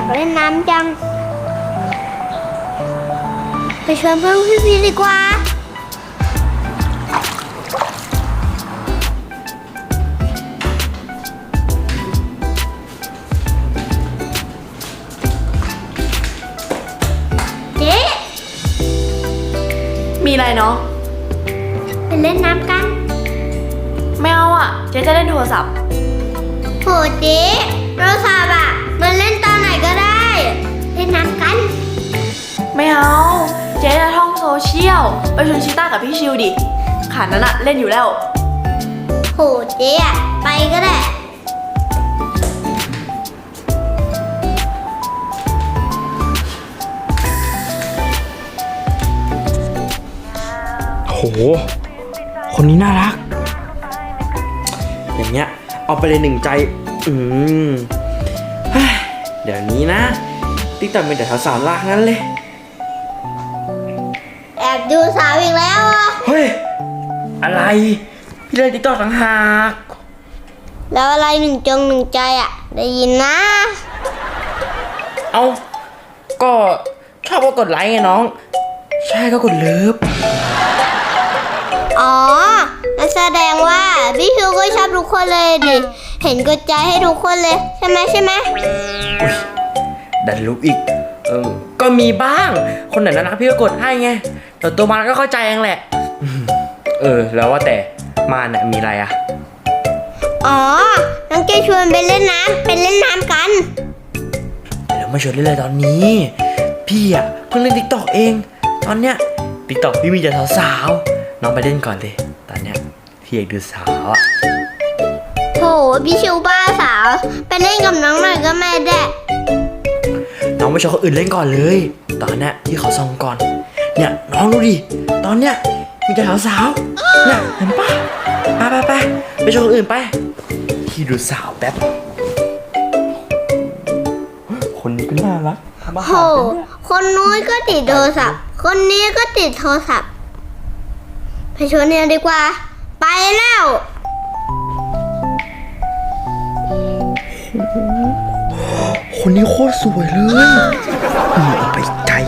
ากเล่นน้ำจังไปชวนเพื่อนพี่พีดีกว่าเจ๊มีอะไรเนาะไปเล่นน้ำกันไม่เอาอ่ะเจ๊จะเล่นโทรศัพท์โหเจ๊โทรศัพท์อ่ะมันเล่นตอนไหนก็ได้เล่นน้ำกันไม่เอาเจ๊จะท่องโซเชียลไปชวนชิต้ากับพี่ชิวดิขานั้นอะเล่นอยู่แล้วโหเจ๊อ่ะไปก็ได้โหคนนี้น่ารักอย่างเงี้ยเอาไปเลยหนึ่งใจเดี๋ยวนี้นะติ๊กต็อกเป็นแต่สาวๆลากนั้นเลยแอบดูสาวอีกแล้วอ่ะเฮ้ยอะไรพี่เล่นติ๊กต็อกต่างหากแล้วอะไรหนึ่งใจอ่ะได้ยินนะเอาก็ชอบก็กดไลค์ไงน้องใช่ก็กดเลิฟอ๋อนั่นแสดงว่าพี่ชิวก็ชอบทุกคนเลยดิเห็นกดใจให้ทุกคนเลยใช่ไหมอุ๊ยดันลุกอีกก็มีบ้างคนไหนน่ารักพี่ก็กดให้ไงแต่ตัวมันก็เข้าใจเองแหละแล้วว่าแต่มาเนี่ยมีอะไรอ่ะอ๋อน้องจะชวนไปเล่นน้ำกันเดี๋ยวมาชวนเล่นเลยตอนนี้พี่อ่ะเพิ่งเล่น TikTok เองตอนเนี้ย TikTok พี่มีแต่สาวๆน้องไปเล่นก่อนเลยตอนเนี้ยพี่อยากดูสาวอ่ะโถพี่ชิวบ้าสาวไปเล่นกับน้องหน่อยก็ไม่ได้น้องไปชวนคนอื่นเล่นก่อนเลยตอนเนี้ยพี่ขอส่องก่อนเนี่ยน้องดูดิตอนเนี้ยมีแต่สาวๆเนี่ยเห็นปะไปชวนคนอื่นไปพี่ดูสาวแป๊บคนนี้ก็น่ารักโหคนนู้นก็ติดโทรศัพท์คนนี้ก็ติดโทรศัพท์ไปชวนเนี่ยดีกว่าไปแล้วคนนี้โคตรสวยเลยเอาไปไกล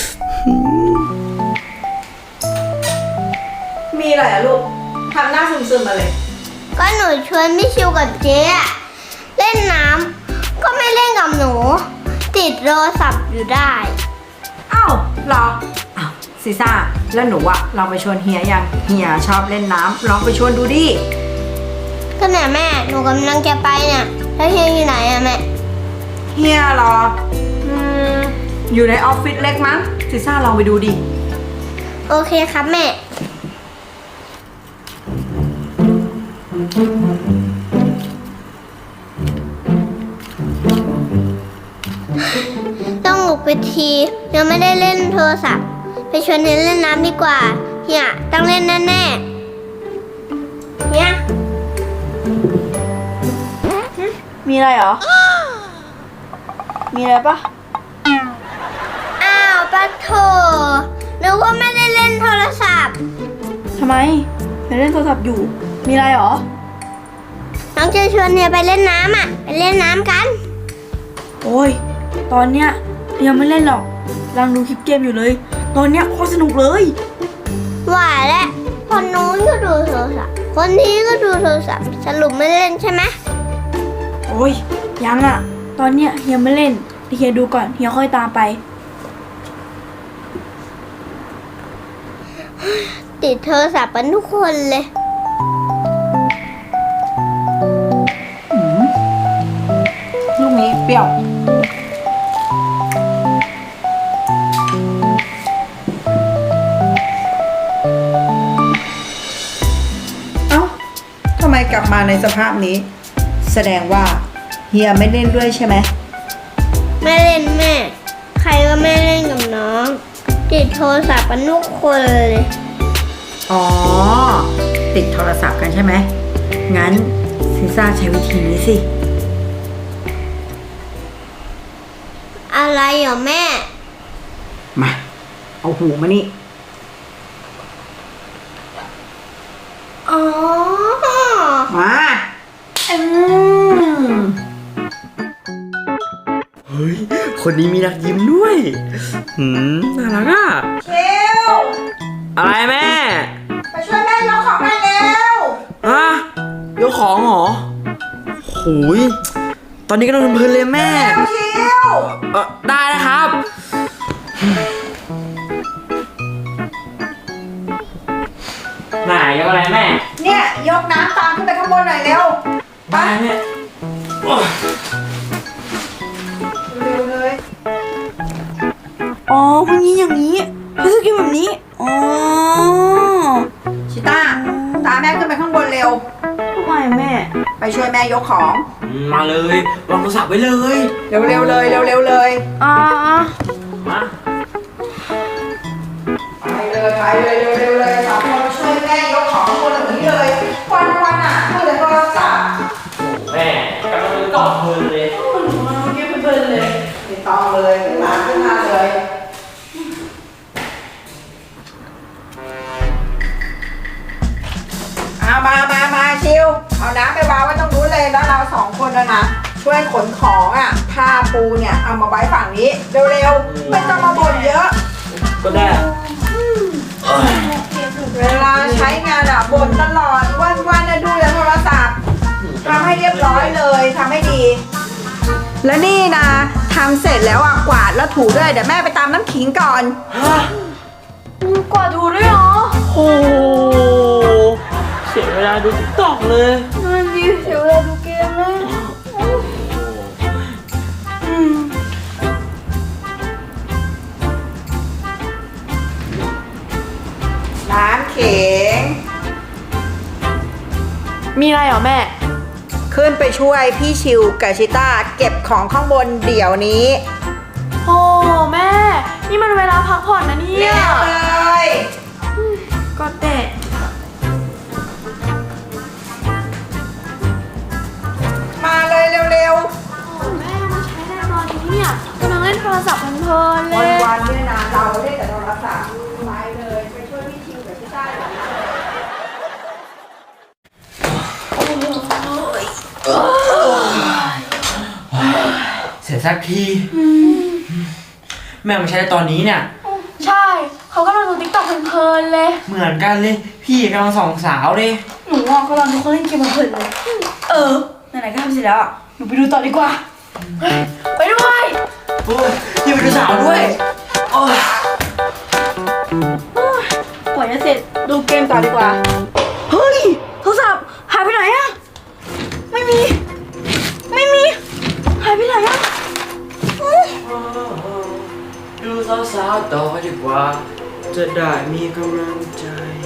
มีอะไรอะลูกทำหน้าซึมๆมาเลยก็หนูชวนพี่ชิวกับเจ๊เล่นน้ำก็ไม่เล่นกับหนูติดโทรศัพท์อยู่ได้อ้าวเหรออ้าวซีซ่าแล้วหนูอะลองไปชวนเฮียยังเฮียชอบเล่นน้ำลองไปชวนดูดิก็เนี่ยแม่หนูกำลังจะไปเนี่ยแล้วเฮียอยู่ไหนอะแม่เฮียเหรออยู่ในออฟฟิศเล็กมั้งซีซ่าลองไปดูดิโอเคครับแม่ต้องลุกไปทียังไม่ได้เล่นโทรศัพท์ไปชวนเฮียเล่นน้ำดีกว่าเฮียต้องเล่นแน่ๆเฮียมีอะไรเหรอมีอะไรปะอ้าวปะโถนึกว่าไม่ได้เล่นโทรศัพท์ทำไมไม่เล่นโทรศัพท์อยู่มีอะไรเหรอน้องจะชวนเฮียไปเล่นน้ำอ่ะไปเล่นน้ำกันโอ้ยตอนเนี้ยยังไม่เล่นหรอกกำลังดูคลิปเกมอยู่เลยตอนเนี้ยโคตรสนุกเลยว่าแล้วคนนู้นก็ดูโทรศัพท์คนนี้ก็ดูโทรศัพท์สรุปไม่เล่นใช่ไหมโอ้ยยังอ่ะตอนเนี้ยเฮียไม่เล่นเฮียดูก่อนเฮียค่อยตามไปติดโทรศัพท์กันทุกคนเลยลูกนี้เปรี้ยวเอ้าทำไมกลับมาในสภาพนี้แสดงว่าเฮียไม่เล่นด้วยใช่ไหมไม่เล่นแม่ใครก็ไม่เล่นกับน้องติดโทรศัพท์กันทุกคนเลยอ๋อติดโทรศัพท์กันใช่ไหมงั้นซีซ่าใช้วิธีนี้สิอะไรเหรอแม่มาเอาหูมานี่อ๋อมาเฮ้ยคนนี้มีนักยิ้มด้วยน่ารักอ่ะคิวอะไรแม่ไปช่วยแม่ยกของหน่อยเร็วฮะยกของเหรอโหยตอนนี้กำลังเพลินเลยแม่คิวได้นะครับไหนยกอะไรแม่เนี่ยยกน้ำตามขึ้นไปข้างบนหน่อยเร็วไปแม่โอ้ยเร็วเลยอ๋อพวกนี้อย่างนี้เขาจะกินแบบนี้อ๋อชิต้าตามแม่ขึ้นไปข้างบนเร็วทำไมแม่ไปช่วยแม่ยกของมาเลยวางโทรศัพท์ไว้เลยเร็วๆเลยเร็วๆเลยอ่ามาไปเลยเร็วๆเลยสามคนมาช่วยแม่ยกของข้างบนแบบนี้เลยวันๆอ่ะเมื่อแต่โทรศัพท์แม่กำลังตอบเพลินเลยไม่ต้องเลยขึ้นมาเลยเอามาชิวเอาน้ำไปวางไว้ตรงนู้นเลยแล้วเราสองคนนะช่วยขนของอ่ะผ้าปูเนี่ยเอามาไว้ฝั่งนี้เร็วๆไม่ต้องมาบ่นเยอะก็ได้เวลาใช้งานอ่ะบ่นตลอดวันๆนะดูแต่โทรศัพท์ทำให้เรียบร้อยเลยทำให้ดี แล้วนี่นะทำเสร็จแล้วอ่ะกวาดแล้วถูด้วยเดี๋ยวแม่ไปตามน้ำขิงก่อนกว่าดูด้วยเหรอโอ้เสียเวลาดูติ๊กต็อกเลยนั่นดิเสียเวลาดูเกมเลยน้ำขิงมีอะไรเหรอแม่ขึ้นไปช่วยพี่ชิวกับชิต้าเก็บของข้างบนเดี๋ยวนี้โอ้แม่ นี่มันเวลาพักผ่อนนะเนี่เรียยบเลยก็เตะมาเลยเร็วแม่มาใช้ในตอนนี้เนี่ยกำลังเล่นโทรศัพท์เพลินๆๆเลยวันๆเนี่ยนะเราเล่นแต่โทรศัพท์ไปเลยไปช่วยพี่ชิวกับชิต้าเดี๋ยวนี้เลยเสร็จสักทีแม่มาใช้ตอนนี้เนี่ยใช่ เขากำลังดูติ๊กต็อกเพลินๆเลยเหมือนกันเลย พี่กำลังส่องสาวเลยหนูอ่ะกำลังดูเขาเล่นเกมเพลินๆเลย ไหนๆก็ทำเสร็จแล้วอ่ะ หนูไปดูต่อดีกว่า ไปด้วยโอ้ยยังไปดูสาวด้วยโอ้ยกว่าจะเสร็จดูเกมต่อดีกว่า เฮ้ย โทรศัพท์หายไปไหนอะไม่มี หายไปไหนอะดูสาวๆต่อดีกว่า จะได้มีกำลังใจ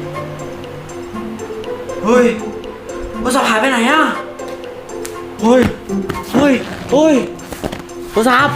เฮ้ยโทรศัพท์หายไปไหนอะเฮ้ยโทรศัพท์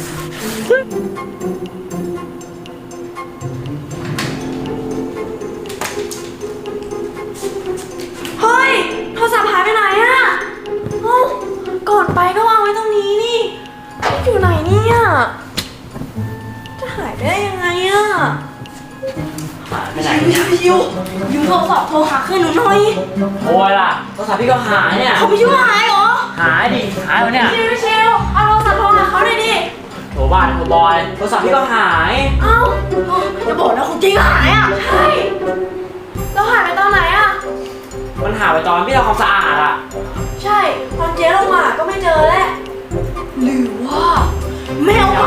เฮ้ย โทรศัพท์หายไปไหนอะเอ้าก่อนไปก็วางไว้ตรงนี้นี่ อยู่ไหนเนี่ยจะหายไปได้ยังไงอะหายไปไหนเนี่ยชิวยืมโทรศัพท์โทรหาเพื่อนหนูหน่อยโอ้ยล่ะโทรศัพท์พี่ก็หายเนี่ยเขาไปช่วยหายเหรอหายดิหายแล้วเนี่ยชิวเอาโทรศัพท์โทรหาเขาหน่อยดิโทรบ้านโทรบอยโทรศัพท์พี่ก็หายเอ้าจะบอกนะของจริงหายอ่ะ ใช่เราหายไปตอนไหนอ่ะมันหายไปตอนพี่ทำความสะอาดอะใช่ตอนเจ๊ลงมาก็ไม่เจอแล้วหรือว่าแมวไป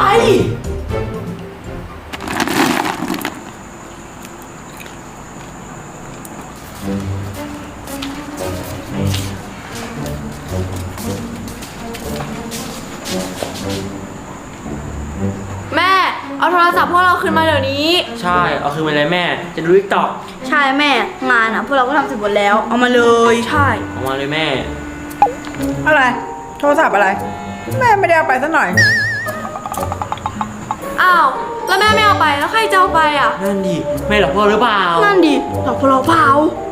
แม่เอาโทรศัพท์พวกเราคืนมาเดี๋ยวนี้ใช่ เอาคืนไปเลยแม่ จะดูติ๊กต็อกใช่แม่งานอ่ะพวกเราก็ทำเสร็จหมดแล้ว เอามาเลยใช่เอามาเลยแม่อะไร โทรศัพท์อะไร แม่ไม่ได้เอาไปซะหน่อยอ้าวแล้วแม่ไม่เอาไปแล้วใครจะเอาไปอ่ะนั่นดิแม่หลอกพ่อหรือเปล่านั่นดิหลอกพวกเราเปล่า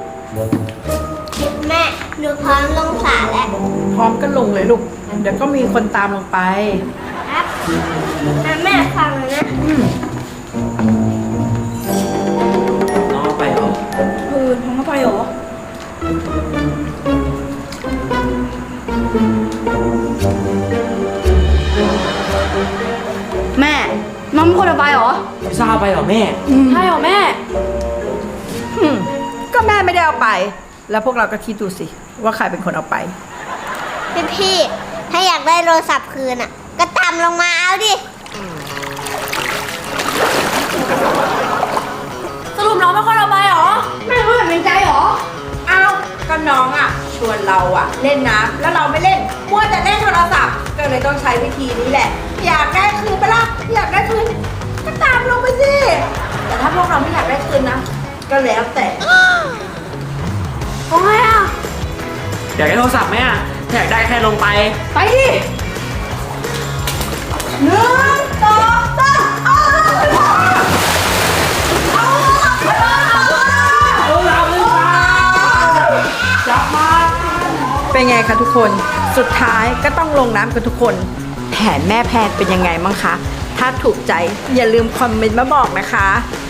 แม่หนูพร้อมลงสระแล้วพร้อมกันลงเลยลูก เดี๋ยวก็มีคนตามลงไปครับแม่ฟังเลยนะน้องเอาไปเหรอทำเข้าไปเหรอเไปเหรอแม่ใช่เหรอแม่ก็แม่ไม่ได้เอาไป แล้วพวกเราก็คิดดูสิ ว่าใครเป็นคนเอาไปพี่ถ้าอยากได้โทรศัพท์คืนอ่ะ ก็ตามลงมาเอาดิสรุปน้องเป็นคนเอาไปเหรอไม่รู้เห็นเป็นใจหรอ เอาก็น้องอ่ะ ชวนเราอ่ะ เล่นน้ำแล้วเราไม่เล่นมัวแต่เล่นโทรศัพท์ ก็เลยต้องใช้วิธีนี้แหละ อยากได้คืนปะล่ะอยากได้คืนก็ตามลงไปสิ แต่ถ้าพวกเราไม่อยากได้คืนนะ ก็แล้วแต่โอ้ยอ่ะอยากได้โทรศัพท์ไหมอ่ะถ้าอยากได้แค่ลงไปไปดิหนึ่งสองสามเป็นไงคะทุกคน สุดท้ายก็ต้องลงน้ำกันทุกคน แผนแม่แพนเป็นยังไงบ้างคะ ถ้าถูกใจอย่าลืมคอมเมนต์มาบอกนะคะ